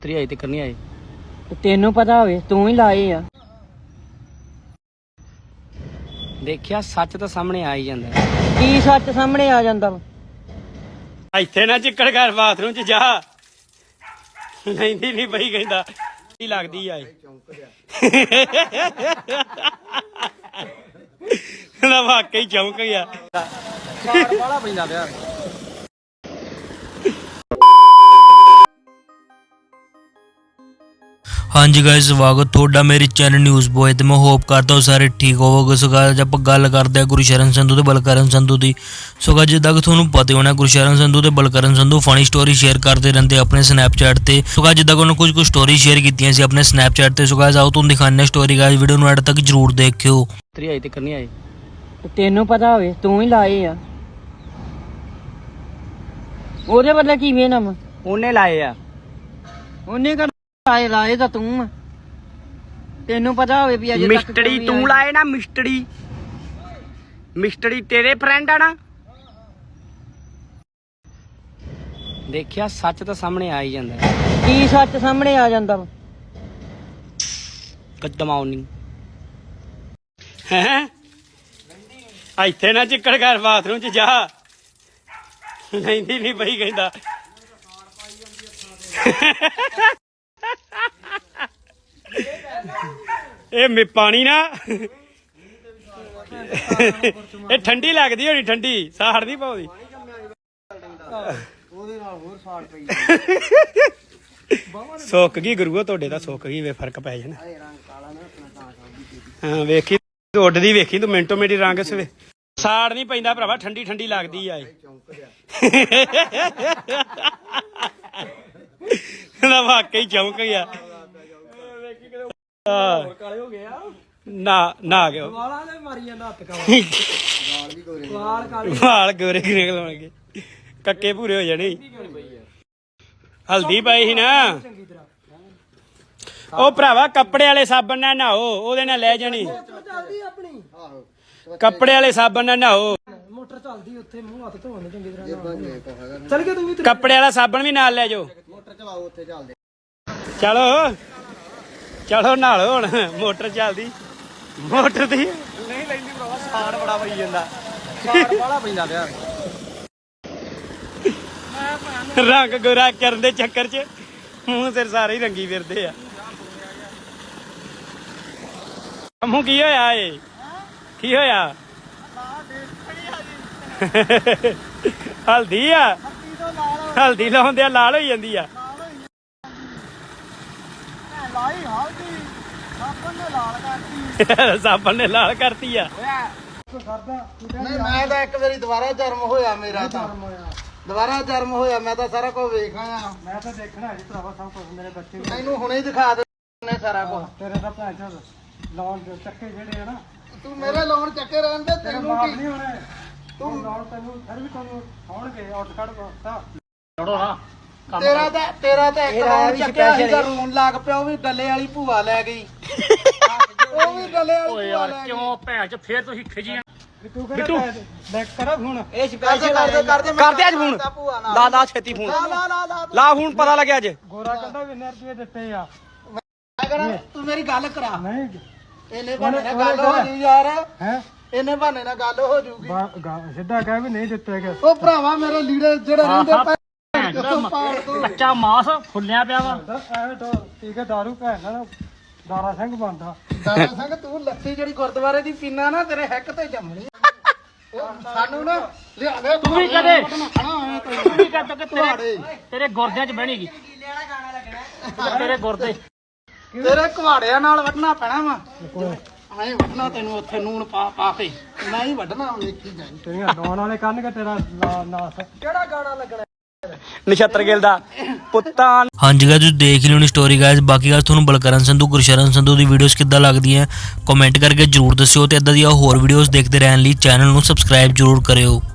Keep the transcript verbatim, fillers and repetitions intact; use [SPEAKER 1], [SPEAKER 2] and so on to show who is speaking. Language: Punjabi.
[SPEAKER 1] ਤੇਰੀ ਆਈ ਤੇ ਕਰਨੀ ਆਏ
[SPEAKER 2] ਤੈਨੂੰ ਪਤਾ ਹੋਵੇ ਤੂੰ ਹੀ ਲਾਏ ਆ।
[SPEAKER 1] ਦੇਖਿਆ ਸੱਚ ਤਾਂ ਸਾਹਮਣੇ ਆ ਹੀ ਜਾਂਦਾ।
[SPEAKER 2] ਕੀ ਸੱਚ ਸਾਹਮਣੇ ਆ ਜਾਂਦਾ ਵਾ?
[SPEAKER 1] ਇੱਥੇ ਨਾ ਚਿੱਕੜ ਕਰ ਬਾਥਰੂਮ ਚ ਜਾ। ਲੈਂਦੀ ਨਹੀਂ ਪਈ ਕਹਿੰਦਾ ਕੀ ਲੱਗਦੀ ਆ ਨਾ ਵਾਕਈ ਚੌਂਕ ਗਿਆ। ਸਾਰ ਵਾਲਾ ਪੈਂਦਾ ਪਿਆ।
[SPEAKER 3] हाँ जी गाइस स्वागत ਤੁਹਾਡਾ ਮੇਰੇ ਚੈਨਲ ਨਿਊਜ਼ ਬੋਏ ਤੇ ਮੈਂ ਹੋਪ ਕਰਦਾ ਹਾਂ ਸਾਰੇ ਠੀਕ ਹੋਵੋਗੇ। ਸੋ ਗਾਇਸ ਆਪਾਂ ਗੱਲ ਕਰਦੇ ਹਾਂ ਗੁਰਸ਼ਰਨ ਸੰਧੂ ਤੇ ਬਲਕਰਨ ਸੰਧੂ ਦੀ। ਸੋ ਗਾਇਸ ਜਿੱਦਾਂ ਕਿ ਤੁਹਾਨੂੰ ਪਤਾ ਹੋਣਾ ਗੁਰਸ਼ਰਨ ਸੰਧੂ ਤੇ Balkaran Sandhu funny story share ਕਰਦੇ ਰਹਿੰਦੇ ਆਪਣੇ ਸਨੈਪਚੈਟ ਤੇ। ਸੋ ਗਾਇਸ ਜਿੱਦਾਂ ਕਿ ਉਹਨਾਂ ਕੁਝ ਕੁ ਸਟੋਰੀ ਸ਼ੇਅਰ ਕੀਤੀਆਂ ਸੀ ਆਪਣੇ ਸਨੈਪਚੈਟ ਤੇ। ਸੋ ਗਾਇਸ ਆਓ ਤੁਹਾਨੂੰ ਦਿਖਾਉਂਦੇ ਹਾਂ ਸਟੋਰੀ। ਗਾਇਸ ਵੀਡੀਓ ਨੂੰ ਐਡ ਤੱਕ ਜਰੂਰ ਦੇਖਿਓ।
[SPEAKER 1] ਤੇਰੀ ਆਈ ਤੇ ਕਰਨੀ ਆਏ
[SPEAKER 2] ਤੈਨੂੰ ਪਤਾ ਹੋਵੇ ਤੂੰ ਹੀ ਲਾਏ ਆ। ਉਹਦੇ ਬਦਲੇ ਕਿਵੇਂ ਨਾ ਵਾ?
[SPEAKER 1] ਉਹਨੇ ਲਾਏ ਆ।
[SPEAKER 2] ਉਹਨੇ ਕਰ ਲਾਏ ਲਾਏ ਤਾਂ ਤੂੰ ਆ। ਤੈਨੂੰ ਪਤਾ ਹੋਵੇ ਵੀ ਅਜੇ ਤੱਕ
[SPEAKER 1] ਮਿਸਟੜੀ ਤੂੰ ਲਾਏ ਨਾ। ਮਿਸਟੜੀ ਮਿਸਟੜੀ ਤੇਰੇ ਫਰੈਂਡ ਆ ਨਾ। ਦੇਖਿਆ ਸੱਚ ਤਾਂ ਸਾਹਮਣੇ ਆ ਹੀ ਜਾਂਦਾ।
[SPEAKER 2] ਕੀ ਸੱਚ ਸਾਹਮਣੇ ਆ ਜਾਂਦਾ ਵਾ?
[SPEAKER 1] ਕਦਮਾਉਣੀ ਹੈ ਇੱਥੇ ਨਾ ਚਿੱਕੜ ਕਰ ਬਾਥਰੂਮ ਚ ਜਾ। ਲੈਂਦੀ ਨਹੀਂ ਪਈ ਕਹਿੰਦਾ ਇਹ ਮੇ ਪਾਣੀ ਨਾ ਇਹ ਠੰਡੀ ਲੱਗਦੀ ਹੋਣੀ। ਠੰਡੀ ਸਾੜ ਨਹੀਂ ਪਾਉਂਦੀ। ਸੁੱਕ ਗਈ ਗੁਰੂਆ ਤੁਹਾਡੇ ਤਾਂ ਸੁੱਕ ਗਈ ਵੇ ਫਰਕ ਪੈ ਜਾਣਾ। ਹਾਂ ਵੇਖੀ ਤੂੰ ਉੱਡਦੀ ਵੇਖੀ ਤੂੰ ਮਿੰਟੋ ਮਿੰਟੀ ਰੰਗ ਸਵੇ ਸਾੜ ਨਹੀਂ ਪੈਂਦਾ ਭਰਾਵਾ। ਠੰਡੀ ਠੰਡੀ ਲੱਗਦੀ ਆ ਨਾ ਵਾਕਈ ਚੌਂਕ ਗਿਆ। ਨਾ ਨਾ ਗਿਆ ਵਾਲ ਗੋਰੇ ਨਿਕਲਣਗੇ ਕੱਕੇ ਪੂਰੇ ਹੋ ਜਾਣੇ। ਹਲਦੀ ਪਾਈ ਸੀ ਨਾ ਉਹ ਭਰਾਵਾ। ਕੱਪੜੇ ਵਾਲੇ ਸਾਬਣ ਨਾਲ ਨਹਾਓ ਉਹਦੇ ਨਾਲ ਲੈ ਜਾਣੀ। ਕੱਪੜੇ ਵਾਲੇ ਸਾਬਣ ਨਾਲ ਨਹਾਓ।
[SPEAKER 2] ਮੋਟਰ ਚੱਲਦੀ ਉੱਥੇ ਮੂੰਹ ਹੱਥ ਧੋਣ ਚੰਗੀ ਤਰ੍ਹਾਂ। ਚੱਲ ਗਿਆ ਤੂੰ ਵੀ।
[SPEAKER 1] ਕੱਪੜੇ ਵਾਲਾ ਸਾਬਣ ਵੀ ਨਾਲ ਲੈ ਜਾਓ।
[SPEAKER 2] ਮੋਟਰ ਚਲਾਓ ਉੱਥੇ ਚੱਲਦੇ।
[SPEAKER 1] ਚਲੋ ਚਲੋ ਨਾਲੋ ਹੁਣ। ਮੋਟਰ ਚੱਲਦੀ ਮੋਟਰ ਦੀ ਨਹੀਂ ਲੈਂਦੀ ਭਰਾਵਾ। ਸਾੜ ਬੜਾ ਪਈ ਜਾਂਦਾ। ਸਾੜ ਵਾਲਾ ਪੈਂਦਾ ਪਿਆ। ਰੰਗ ਗੋਰਾ ਕਰਨ ਦੇ ਚੱਕਰ ਚ ਮੂੰਹ ਸਿਰ ਸਾਰੇ ਹੀ ਰੰਗੀ ਫਿਰਦੇ ਆ। ਮੂੰਹ ਕੀ ਹੋਇਆ ਏ? ਕੀ ਹੋਇਆ? ਹਲਦੀ ਆ। ਹਲਦੀ ਲਾਉਂਦੇ ਆ ਲਾਲ ਹੋਈ ਜਾਂਦੀ ਆ। ਸਾਬਣ ਨੇ ਲਾਲ ਕਰਤੀ ਆ।
[SPEAKER 4] ਨਹੀਂ ਮੈਂ ਤਾਂ ਇੱਕ ਵਾਰੀ ਦੁਬਾਰਾ ਜਨਮ ਹੋਇਆ ਮੇਰਾ ਤਾਂ ਦੁਬਾਰਾ ਜਨਮ ਹੋਇਆ। ਮੈਂ ਤਾਂ ਸਾਰਾ ਕੁਝ ਵੇਖ ਆਇਆ।
[SPEAKER 2] ਮੈਂ ਤਾਂ ਦੇਖਣਾ ਜੀ ਭਰਾਵਾ ਸਭ ਕੁਝ। ਮੇਰੇ ਬੱਚੇ
[SPEAKER 4] ਮੈਨੂੰ ਹੁਣੇ ਹੀ ਦਿਖਾ ਦੇ ਸਾਰਾ ਕੁਝ।
[SPEAKER 2] ਤੇਰੇ ਦਾ ਭੈਣ ਚੋਦ ਲੋਨ ਚੱਕੇ ਜਿਹੜੇ ਆ ਨਾ।
[SPEAKER 4] ਤੂੰ ਮੇਰੇ ਲੋਨ ਚੱਕੇ ਰਹਿਣ ਦੇ। ਤੈਨੂੰ
[SPEAKER 2] ਮਾਫ
[SPEAKER 4] ਕੀ
[SPEAKER 2] ਨਹੀਂ ਹੋਣੇ ਤੂੰ ਲੋਨ। ਤੈਨੂੰ ਫਿਰ ਵੀ ਤੁਹਾਨੂੰ ਹੋਣਗੇ ਆਊਟ ਕੱਢ ਛੋੜੋ ਨਾ।
[SPEAKER 4] ਤੇਰਾ ਤਾਂ ਤੇਰਾ ਤਾਂ ਇੱਕ ਲੋਨ ਚੱਕਿਆ ਸੀਗਾ ਰੋਣ ਲੱਗ ਪਿਆ। ਉਹ ਵੀ ਡੱਲੇ ਵਾਲੀ ਭੂਆ ਲੈ ਗਈ। ਉਹ ਵੀ ਡੱਲੇ ਵਾਲੀ ਭੂਆ ਲੈ ਗਈ।
[SPEAKER 1] ਕਿਉਂ ਭੈਣ ਚ ਫੇਰ ਤੁਸੀਂ ਖਿਜੀਆਂ।
[SPEAKER 2] ਤੂੰ ਬਿੱਟੂ ਬੈਕ ਕਰ ਹੁਣ।
[SPEAKER 1] ਇਹ
[SPEAKER 4] ਕਰਦੇ ਕਰਦੇ ਕਰਦੇ
[SPEAKER 1] ਕਰਦੇ ਅੱਜ ਫੋਨ। ਲਾ ਲਾ ਛੇਤੀ ਫੋਨ
[SPEAKER 4] ਲਾ ਲਾ ਲਾ ਲਾ
[SPEAKER 1] ਲਾ ਫੋਨ। ਪਤਾ ਲੱਗਿਆ ਅੱਜ
[SPEAKER 2] ਗੋਰਾ ਕਹਿੰਦਾ ਵੀ ਰੁਪਏ ਦਿੱਤੇ ਆ।
[SPEAKER 4] ਮੈਂ ਕਹਿਣਾ ਤੂੰ ਮੇਰੀ ਗੱਲ ਕਰਾ।
[SPEAKER 2] ਨਹੀਂ
[SPEAKER 4] ਇਹਨੇ ਬਹਾਨੇ ਨਾਲ ਗੱਲ ਹੋ ਜੂ ਯਾਰ।
[SPEAKER 2] ਹੈ
[SPEAKER 4] ਇਹਨੇ ਬਹਾਨੇ ਨਾਲ ਗੱਲ ਹੋ ਜੂਗੀ।
[SPEAKER 2] ਸਿੱਧਾ ਕਹਿ ਵੀ ਨਹੀਂ ਦਿੱਤੇ ਗਏ।
[SPEAKER 4] ਉਹ ਭਰਾਵਾ ਮੇਰੇ ਲੀੜੇ ਜਿਹੜੇ ਰਹਿੰਦੇ ਪਏ
[SPEAKER 1] ਕੱਚਾ ਮਾਸ ਫੁੱਲਿਆ ਪਿਆ ਵਾ।
[SPEAKER 2] ਐਵੇਂ ਤਾਂ ਠੀਕ ਹੈ ਦਾਰੂ ਭੈਣ ਨਾਲ ਦਾਰਾ ਸਿੰਘ ਬਣਦਾ।
[SPEAKER 4] ਦਾਦਾ ਸਿੰਘ ਤੂੰ ਲੱਸੀ ਜਿਹੜੀ ਗੁਰਦੁਆਰੇ ਦੀ ਪੀਣਾ ਨਾ ਤੇਰੇ ਹਿੱਕ ਤੇ ਜੰਮਣੀ। ਸਾਨੂੰ ਨਾ ਲਿਆ ਦੇ।
[SPEAKER 1] ਤੂੰ ਵੀ ਕਦੇ
[SPEAKER 4] ਖਾਣਾ
[SPEAKER 1] ਤੂੰ ਵੀ ਕਰ ਤੋ ਤੇਰੇ ਤੇਰੇ ਗੁਰਦਿਆਂ ਚ ਬਹਿਣੀਗੀ। ਤੇਰੇ ਗੁਰਦੇ
[SPEAKER 4] ਤੇਰੇ ਕੁਹਾੜਿਆਂ ਨਾਲ ਵੱਢਣਾ ਪੈਣਾ ਵਾ। ਐਂ ਵੱਢਣਾ ਤੈਨੂੰ ਉੱਥੇ ਨੂਣ ਪਾ ਪਾ ਕੇ। ਮੈਂ ਹੀ ਵੱਢਣਾ ਵੇਖੀ ਜਾਈ।
[SPEAKER 2] ਤੇਰੀਆਂ ਡਾਉਣ ਵਾਲੇ ਕਰਨਗੇ ਤੇਰਾ ਨਾਸ। ਕਿਹੜਾ ਗਾਣਾ ਲੱਗਣਾ?
[SPEAKER 1] ਨਛੱਤਰ ਗਿੱਲ ਦਾ ਪੁੱਤਾਂ।
[SPEAKER 3] ਹਾਂਜੀ ਗਾਇਸ ਤੁਸੀਂ ਦੇਖ ਲਿਓ ਨੀ ਸਟੋਰੀ ਗਾਇਸ। ਬਾਕੀ ਗਾਇਸ ਤੁਹਾਨੂੰ ਬਲਕਰਨ ਸੰਧੂ ਗੁਰਸ਼ਰਨ ਸੰਧੂ ਦੀ ਵੀਡੀਓਜ਼ ਕਿੱਦਾਂ ਲੱਗਦੀਆਂ ਕਮੈਂਟ ਕਰਕੇ ਜਰੂਰ ਦੱਸਿਓ। ਤੇ ਇਦਾਂ ਦੀਆਂ ਹੋਰ ਵੀਡੀਓਜ਼ ਦੇਖਦੇ ਰਹਿਣ ਲਈ ਚੈਨਲ ਨੂੰ ਸਬਸਕ੍ਰਾਈਬ ਜਰੂਰ ਕਰਿਓ।